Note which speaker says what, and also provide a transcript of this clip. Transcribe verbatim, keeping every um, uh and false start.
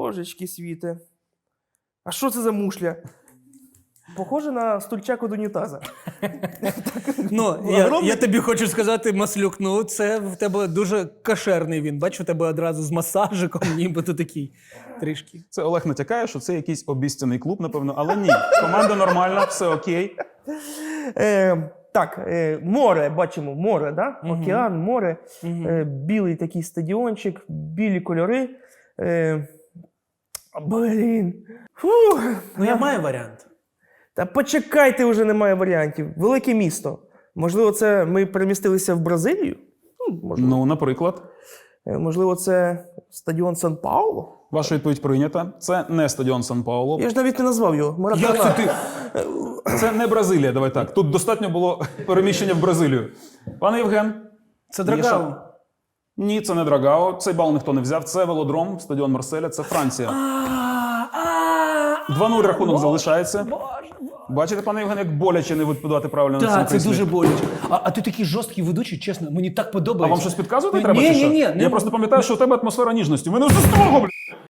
Speaker 1: Божечки світе. А що це за мушля? Похоже на стульчак від унітаза.
Speaker 2: Ну, я, я тобі хочу сказати, Маслюк, ну це в тебе дуже кошерний він. Бачу, у тебе одразу з масажиком, нібито такий трішки.
Speaker 3: Це Олег натякає, що це якийсь обіцяний клуб, напевно, але ні. Команда нормальна, все окей.
Speaker 1: Е, так, е, море, бачимо, море, да?
Speaker 2: Мгм.
Speaker 1: Океан, море,
Speaker 2: Мгм.
Speaker 1: е, білий такий стадіончик, білі кольори. Е, блін. Фух.
Speaker 2: Ну, я маю варіант.
Speaker 1: Та почекайте, вже немає варіантів. Велике місто. Можливо, це ми перемістилися в Бразилію? Ну, можливо.
Speaker 3: Ну, наприклад,
Speaker 1: Е, Можливо, це стадіон Сан-Пауло?
Speaker 3: ваша відповідь прийнята. Це не стадіон Сан-Пауло.
Speaker 1: Я ж навіть не назвав його. Маракана.
Speaker 2: Як це ти?
Speaker 3: Це не Бразилія, давай так. Тут достатньо було переміщення в Бразилію. Пане Євген?
Speaker 2: Це
Speaker 3: Міша?
Speaker 2: Драгао.
Speaker 3: Ні, це не Драгао. Цей бал ніхто не взяв. Це велодром, стадіон Марселя, це Франція. два нуль рахунок залишається. Бачите, пане Євген, як боляче не відповідати правильно на цьому
Speaker 2: Так, це
Speaker 3: прислів'ї?
Speaker 2: дуже боляче. А, а ти такий жорсткий ведучий, чесно, мені так
Speaker 3: А
Speaker 2: подобається.
Speaker 3: вам щось підказувати
Speaker 2: Ні,
Speaker 3: треба?
Speaker 2: ні,
Speaker 3: чи що?
Speaker 2: ні, ні,
Speaker 3: Я
Speaker 2: не-
Speaker 3: просто пам'ятаю, що у тебе атмосфера ніжності. У мене вже з того, блядь.